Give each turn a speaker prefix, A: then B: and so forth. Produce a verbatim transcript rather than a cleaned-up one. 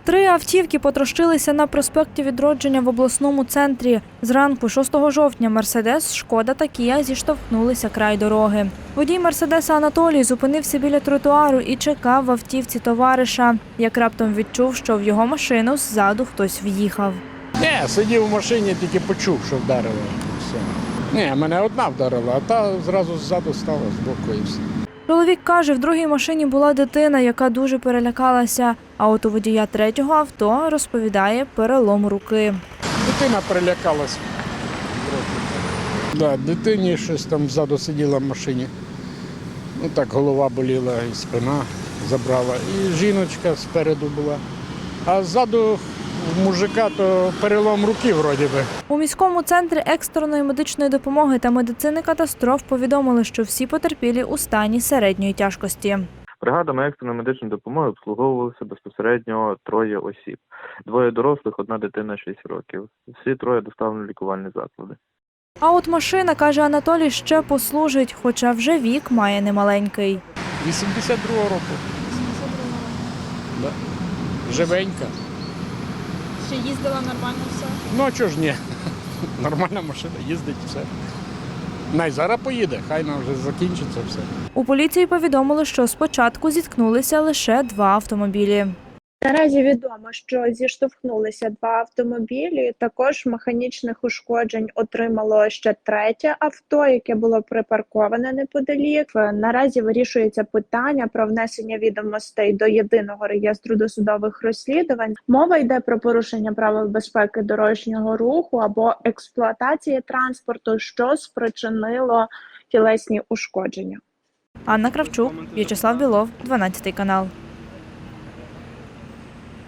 A: Три автівки потрощилися на проспекті Відродження в обласному центрі. Зранку шостого жовтня «Мерседес», «Шкода» та «Кія» зіштовхнулися край дороги. Водій «Мерседеса» Анатолій зупинився біля тротуару і чекав в автівці товариша. Як раптом відчув, що в його машину ззаду хтось в'їхав.
B: Ні, сидів в машині, тільки почув, що вдарило. Все. Ні, мене одна вдарила, а та зразу ззаду стала з боку і все.
A: Чоловік каже, в другій машині була дитина, яка дуже перелякалася. А от у водія третього авто, розповідає, перелом руки.
B: Дитина перелякалась. Да, дитині щось там ззаду сиділа в машині. Ну так голова боліла і спина забрала. І жіночка спереду була. А ззаду в мужика то перелом руки вроді би.
A: У міському центрі екстреної медичної допомоги та медицини катастроф повідомили, що всі потерпілі у стані середньої тяжкості.
C: Бригадами екстреної медичної допомоги обслуговувалися безпосередньо троє осіб. Двоє дорослих, одна дитина шість років. Всі троє доставлені в лікувальні заклади.
A: А от машина, каже Анатолій, ще послужить, хоча вже вік має немаленький.
B: вісімдесят другого року. Да. Живенька.
D: Чи їздила нормально все?
B: Ну а чого ж ні? Нормальна машина, їздить все. Най зараз поїде, хай нам вже закінчиться все.
A: У поліції повідомили, що спочатку зіткнулися лише два автомобілі.
E: Наразі відомо, що зіштовхнулися два автомобілі. Також механічних ушкоджень отримало ще третє авто, яке було припарковане неподалік. Наразі вирішується питання про внесення відомостей до єдиного реєстру досудових розслідувань. Мова йде про порушення правил безпеки дорожнього руху або експлуатації транспорту, що спричинило тілесні ушкодження.
A: Анна Кравчук, В'ячеслав Білов, дванадцятий канал.